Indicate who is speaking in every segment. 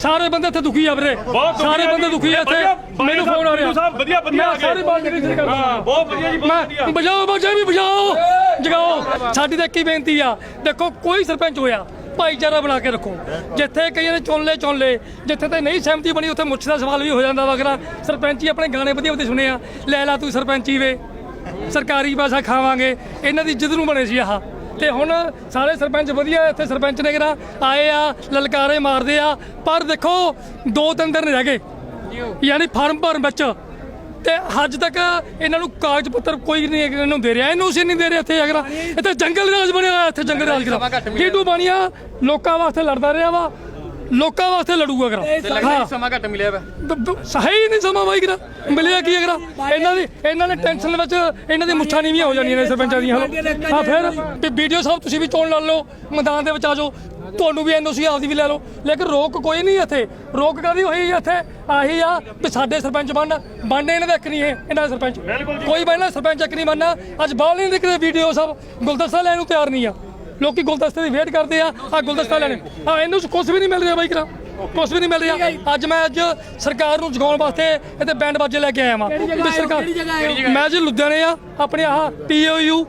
Speaker 1: ਸਾਰੇ ਬੰਦੇ ਇੱਥੇ ਦੁਖੀ ਆ ਵੀਰੇ, ਸਾਰੇ ਬੰਦੇ ਦੁਖੀ ਆ ਇੱਥੇ। ਮੈਨੂੰ ਫੋਨ ਆ ਰਿਹਾ ਮੈਂ ਸਾਰੇ ਬਾਲਟੀ ਵਿੱਚ ਕਰਦਾ।
Speaker 2: ਬਹੁਤ ਵਧੀਆ ਜੀ, ਬਹੁਤ ਵਧੀਆ।
Speaker 1: ਬਜਾਓ ਬੱਚੇ ਵੀ ਬਜਾਓ, ਜਗਾਓ। ਸਾਡੀ ਤਾਂ ਇੱਕ ਹੀ ਬੇਨਤੀ ਆ, ਦੇਖੋ ਕੋਈ ਸਰਪੰਚ ਹੋਇਆ ਭਾਈਚਾਰਾ ਬਣਾ ਕੇ ਰੱਖੋ। ਜਿੱਥੇ ਕਈਆਂ ਨੇ ਚੁਣ ਲਏ, ਜਿੱਥੇ ਤੇ ਨਹੀਂ ਸਹਿਮਤੀ ਬਣੀ ਉੱਥੇ ਮੁੱਛ ਦਾ ਸਵਾਲ ਵੀ ਹੋ ਜਾਂਦਾ ਵਗੈਰਾ। ਸਰਪੰਚੀ ਆਪਣੇ ਗਾਣੇ ਵਧੀਆ ਵਧੀਆ ਸੁਣੇ ਆ, ਲੈ ਲਾ ਤੂੰ ਸਰਪੰਚੀ ਵੇ, ਸਰਕਾਰੀ ਪੈਸਾ ਖਾਵਾਂਗੇ, ਇਹਨਾਂ ਦੀ ਇੱਜ਼ਤ ਨੂੰ ਬਣੇ ਸੀ ਆਹ। ਤੇ ਹੁਣ ਸਾਰੇ ਸਰਪੰਚ ਵਧੀਆ ਇੱਥੇ ਸਰਪੰਚ ਨੇ ਕਿਹੜਾ ਆਏ ਆ, ਲਲਕਾਰੇ ਮਾਰਦੇ ਆ, ਪਰ ਦੇਖੋ 2-3 ਦਿਨ ਰਹਿ ਗਏ ਯਾਨੀ ਫਾਰਮ ਭਰਨ ਵਿੱਚ, ਤੇ ਅੱਜ ਤੱਕ ਇਹਨਾਂ ਨੂੰ ਕਾਗਜ਼ ਪੱਤਰ ਕੋਈ ਨਹੀਂ ਇਹਨਾਂ ਨੂੰ ਦੇ ਰਿਹਾ, ਇਹਨੂੰ ਸੀ ਨਹੀਂ ਦੇ ਰਿਹਾ। ਇੱਥੇ ਅਗਰ ਇੱਥੇ ਜੰਗਲ ਰਾਜ ਬਣਿਆ ਹੋਇਆ, ਇੱਥੇ ਜੰਗਲ ਰਾਜ ਕਰਾ ਟੀਟੂ ਬਾਣੀਆ ਲੋਕਾਂ ਵਾਸਤੇ ਲੜਦਾ ਰਿਹਾ ਵਾ, ਲੋਕਾਂ ਵਾਸਤੇ ਲੜੂਗਾ ਕਰਾ।
Speaker 2: ਸਮਾਂ ਘੱਟ ਮਿਲਿਆ ਵਾ,
Speaker 1: ਸਹੀ ਨਹੀਂ ਸਮਾਂ ਬਾਈ ਕਰਾ ਮਿਲਿਆ ਕੀ ਅਗਰ ਇਹਨਾਂ ਨੇ ਟੈਨਸ਼ਨ ਵਿੱਚ ਇਹਨਾਂ ਦੀ ਮੁੱਛਾਂ ਨੀਵੀਆਂ ਹੋ ਜਾਂਦੀਆਂ ਨੇ ਸਰਪੰਚਾਂ ਦੀਆਂ। ਹਾਂ ਫਿਰ ਵੀਡੀਓ ਸਾਹਿਬ ਤੁਸੀਂ ਵੀ ਚੋਣ ਲੜ ਲਓ, ਮੈਦਾਨ ਦੇ ਵਿੱਚ ਆ ਜਾਓ, ਤੁਹਾਨੂੰ ਵੀ ਐਨਓਸੀ ਆਪਦੀ ਵੀ ਲੈ ਲਓ, ਲੇਕਿਨ ਰੋਕ ਕੋਈ ਨਹੀਂ ਇੱਥੇ। ਰੋਕ ਕਾਹਦੀ ਹੋਈ ਇੱਥੇ ਆਹੀ ਆ ਵੀ ਸਾਡੇ ਸਰਪੰਚ ਬਣਨੇ ਇਹਨਾਂ ਦਾ ਇੱਕ ਨਹੀਂ, ਇਹਨਾਂ ਦਾ ਸਰਪੰਚ ਕੋਈ ਬਣਨਾ, ਸਰਪੰਚ ਇੱਕ ਨਹੀਂ ਬਣਨਾ। ਅੱਜ ਬਾਹਰ ਨਹੀਂ ਦਿਖਦੇ ਵੀਡੀਓ ਸਭ ਗੁਲਦਸਤਾ ਲੈਣ ਨੂੰ ਤਿਆਰ ਨਹੀਂ ਆ, ਲੋਕੀ ਗੁਲਦਸਤੇ ਦੀ ਵੇਟ ਕਰਦੇ ਆ ਗੁਲਦਸਤਾ ਲੈਣੇ। ਇਹਨੂੰ ਕੁਛ ਵੀ ਨਹੀਂ ਮਿਲ ਰਿਹਾ ਬਾਈ ਕਰਾ, ਕੁਛ ਵੀ ਨਹੀਂ ਮਿਲ ਰਿਹਾ। ਅੱਜ ਸਰਕਾਰ ਨੂੰ ਜਗਾਉਣ ਵਾਸਤੇ ਇੱਥੇ ਬੈਂਡ ਬਾਜੇ ਲੈ ਕੇ ਆਇਆ ਵਾਂ। ਮੈਂ ਜੀ ਲੁਧਿਆਣੇ ਆ, ਆਪਣੇ ਆਹ POU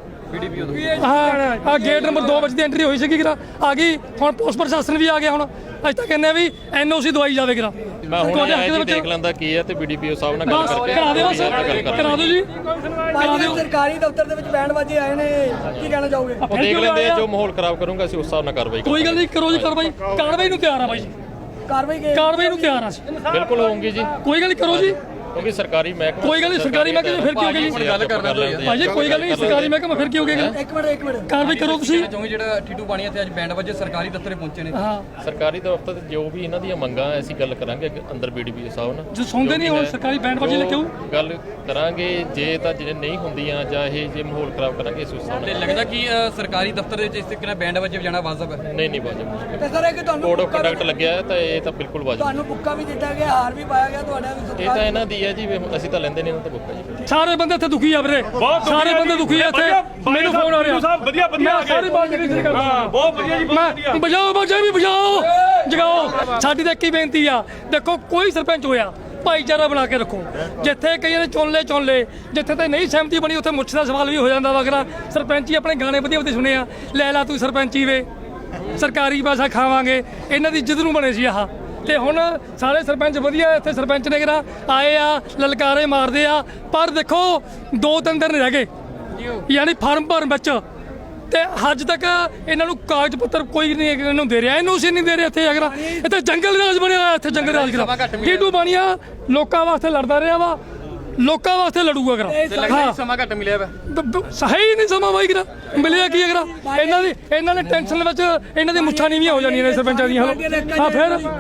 Speaker 1: ਹਾਂ ਗੇਟ ਨੰਬਰ 2 ਵਿੱਚ ਦੀ ਐਂਟਰੀ ਹੋਈ ਸੀਗੀ ਕਰਾ, ਆ ਗਈ। ਹੁਣ ਪੁਲਿਸ ਪ੍ਰਸ਼ਾਸਨ ਵੀ ਆ ਗਿਆ। ਹੁਣ ਅੱਜ ਤੱਕ ਕਹਿੰਦੇ ਵੀ NOC ਦਵਾਈ ਜਾਵੇ ਕਰਾ।
Speaker 3: ਮੈਂ ਹੁਣ ਆਇਆ ਦੇਖ ਲੈਂਦਾ ਕੀ ਹੈ ਤੇ BDPO ਸਾਹਿਬ ਨਾਲ ਗੱਲ ਕਰਕੇ
Speaker 1: ਕਰਾ ਦਿਓ ਜੀ।
Speaker 4: ਸਰਕਾਰੀ ਦਫ਼ਤਰ ਦੇ ਵਿੱਚ ਬੈਂਡ ਬਾਜੇ ਆਏ ਨੇ, ਕੀ ਕਹਿਣਾ ਚਾਹੋਗੇ?
Speaker 3: ਦੇਖ ਲੈਂਦੇ ਆ, ਜੋ ਮਾਹੌਲ ਖਰਾਬ ਕਰੂੰਗਾ ਅਸੀਂ ਉਸ ਹਿਸਾਬ ਨਾਲ ਕਾਰਵਾਈ
Speaker 1: ਕੋਈ ਗੱਲ ਨਹੀਂ, ਕਰੋ ਜੀ ਕਾਰਵਾਈ ਨੂੰ ਤਿਆਰ ਆ ਬਾਈ ਜੀ, ਕਾਰਵਾਈ ਨੂੰ ਤਿਆਰ ਆ
Speaker 3: ਬਿਲਕੁਲ ਹੋਊਗੀ ਜੀ।
Speaker 1: ਕੋਈ ਗੱਲ ਨਹੀਂ, ਕਰੋ ਜੀ।
Speaker 3: ਕਿਉਂਕਿ ਸਰਕਾਰੀ ਮਹਿਕਮਾ,
Speaker 1: ਕੋਈ ਗੱਲ ਨਹੀਂ, ਸਰਕਾਰੀ ਮਹਿਕਮੇ ਫਿਰ ਕੀ ਹੋ ਗਿਆ ਜੀ?
Speaker 3: ਗੱਲ ਕਰਨਾ
Speaker 1: ਭਾਜੀ ਕੋਈ ਗੱਲ ਨਹੀਂ, ਸਰਕਾਰੀ ਮਹਿਕਮਾ ਫਿਰ ਕੀ ਹੋ ਗਿਆ?
Speaker 4: ਇੱਕ ਮਿੰਟ
Speaker 1: ਕਾਰਵਾਈ ਕਰੋ ਤੁਸੀਂ।
Speaker 2: ਜਿਹੜਾ ਟੀਟੂ ਬਾਣੀਆ ਤੇ ਅੱਜ ਬੈਂਡ ਵਜੇ ਸਰਕਾਰੀ ਦਫ਼ਤਰੇ ਪਹੁੰਚੇ ਨੇ,
Speaker 1: ਹਾਂ
Speaker 3: ਸਰਕਾਰੀ ਦਫ਼ਤਰ ਤੇ ਜੋ ਵੀ ਇਹਨਾਂ ਦੀਆਂ ਮੰਗਾਂ ਅਸੀਂ ਗੱਲ ਕਰਾਂਗੇ ਅੰਦਰ BDPO ਸਾਹਿਬ ਨਾਲ।
Speaker 1: ਜੋ ਸੁਣਦੇ ਨਹੀਂ ਹੁਣ ਸਰਕਾਰੀ ਬੈਂਡ ਬਾਜੇ ਲੈ ਕੇ ਆਉ
Speaker 3: ਗੱਲ ਕਰਾਂਗੇ, ਜੇ ਤਾਂ ਜਿਹੜੇ ਨਹੀਂ ਹੁੰਦੀਆਂ ਜਾਂ ਇਹ ਜੇ ਮਾਹੌਲ ਖਰਾਬ ਕਰਾਂਗੇ ਇਸ ਹਿਸਾਬ ਨਾਲ।
Speaker 2: ਲੱਗਦਾ ਕਿ ਸਰਕਾਰੀ ਦਫ਼ਤਰ ਦੇ ਵਿੱਚ ਇਸ ਤਰੀਕੇ ਨਾਲ ਬੈਂਡ ਵਜੇ ਵਜਾਣਾ ਵਾਜਬ ਹੈ?
Speaker 3: ਨਹੀਂ ਵਾਜਬ।
Speaker 4: ਤੇ ਸਰ ਕਿ ਤੁਹਾਨੂੰ
Speaker 3: ਕੋਡ ਆਫ ਕੰਡਕਟ ਲੱਗਿਆ ਹੈ ਤਾਂ ਇਹ ਤਾਂ ਬਿਲਕੁਲ ਵਾਜਬ।
Speaker 4: ਤੁਹਾਨੂੰ ਬੁੱਕਾ ਵੀ ਦਿੱਤਾ ਗਿਆ, ਹਾਰ ਵੀ ਪਾਇਆ ਗਿਆ ਤੁਹਾਡਾ ਵੀ?
Speaker 3: ਇਹ ਤਾਂ ਇਹਨਾਂ ਦੀ ਹੈ ਜੀ, ਅਸੀਂ ਤਾਂ ਲੈਂਦੇ ਨਹੀਂ ਇਹਨਾਂ ਤੋਂ ਬੁੱਕਾ ਜੀ।
Speaker 1: ਸਾਰੇ ਬੰਦੇ ਇੱਥੇ ਦੁਖੀ ਆ ਵੀਰੇ, ਸਾਰੇ ਬੰਦੇ ਦੁਖੀ ਆ ਇੱਥੇ। ਮੈਨੂੰ ਫੋਨ ਆ ਰਿਹਾ ਮੈਂ ਸਾਰੀ ਬਾਲਟੀ ਵਿੱਚ ਕਰਦਾ।
Speaker 2: ਬਹੁਤ ਵਧੀਆ ਜੀ,
Speaker 1: ਮੈਂ ਬਜਾਓ ਬੱਚੇ ਵੀ ਬਜਾਓ, ਜਗਾਓ। ਸਾਡੀ ਤਾਂ ਇੱਕ ਹੀ ਬੇਨਤੀ ਆ, ਦੇਖੋ ਕੋਈ ਸਰਪੰਚ ਹੋਇਆ ਭਾਈਚਾਰਾ ਬਣਾ ਕੇ ਰੱਖੋ। ਜਿੱਥੇ ਕਈਆਂ ਨੇ ਚੁਣ ਲਏ, ਜਿੱਥੇ ਤੇ ਨਹੀਂ ਸਹਿਮਤੀ ਬਣੀ ਉੱਥੇ ਮੁੱਛ ਦਾ ਸਵਾਲ ਵੀ ਹੋ ਜਾਂਦਾ ਵਗੈਰਾ। ਸਰਪੰਚੀ ਆਪਣੇ ਗਾਣੇ ਵਧੀਆ ਵਧੀਆ ਸੁਣੇ ਆ, ਲੈ ਲਾ ਤੂੰ ਸਰਪੰਚੀ ਵੇ, ਸਰਕਾਰੀ ਪੈਸਾ ਖਾਵਾਂਗੇ, ਇਹਨਾਂ ਦੀ ਇੱਜ਼ਤ ਨੂੰ ਬਣੇ ਸੀ ਆਹ। ਤੇ ਹੁਣ ਸਾਰੇ ਸਰਪੰਚ ਵਧੀਆ ਇੱਥੇ ਸਰਪੰਚ ਨੇ ਕਿਹੜਾ ਆਏ ਆ, ਲਲਕਾਰੇ ਮਾਰਦੇ ਆ, ਪਰ ਦੇਖੋ 2-3 ਦਿਨ ਰਹਿ ਗਏ ਯਾਨੀ ਫਾਰਮ ਭਰਨ ਵਿੱਚ, ਤੇ ਅੱਜ ਤੱਕ ਇਹਨਾਂ ਨੂੰ ਕਾਗਜ਼ ਪੱਤਰ ਕੋਈ ਨਹੀਂ ਇਹਨਾਂ ਨੂੰ ਦੇ ਰਿਹਾ, ਇਹਨੂੰ ਸੀ ਨਹੀਂ ਦੇ ਰਿਹਾ। ਇੱਥੇ ਅਗਰ ਇੱਥੇ ਜੰਗਲ ਰਾਜ ਬਣਿਆ ਹੋਇਆ, ਇੱਥੇ ਜੰਗਲ ਰਾਜ ਕਰਾ ਟੀਟੂ ਬਾਣੀਆ ਲੋਕਾਂ ਵਾਸਤੇ ਲੜਦਾ ਰਿਹਾ ਵਾ, ਲੋਕਾਂ ਵਾਸਤੇ ਲੜੂਗਾ ਕਰਾ।
Speaker 2: ਸਮਾਂ ਘੱਟ ਮਿਲਿਆ ਵਾ,
Speaker 1: ਸਹੀ ਨਹੀਂ ਸਮਾਂ ਬਾਈ ਕਰਾ ਮਿਲਿਆ ਕੀ ਅਗਰ ਇਹਨਾਂ ਨੇ ਟੈਨਸ਼ਨ ਵਿੱਚ ਇਹਨਾਂ ਦੀ ਮੁੱਛਾਂ ਨੀਵੀਆਂ ਹੋ ਜਾਂਦੀਆਂ ਨੇ ਸਰਪੰਚਾਂ ਦੀਆਂ। ਹਾਂ ਫਿਰ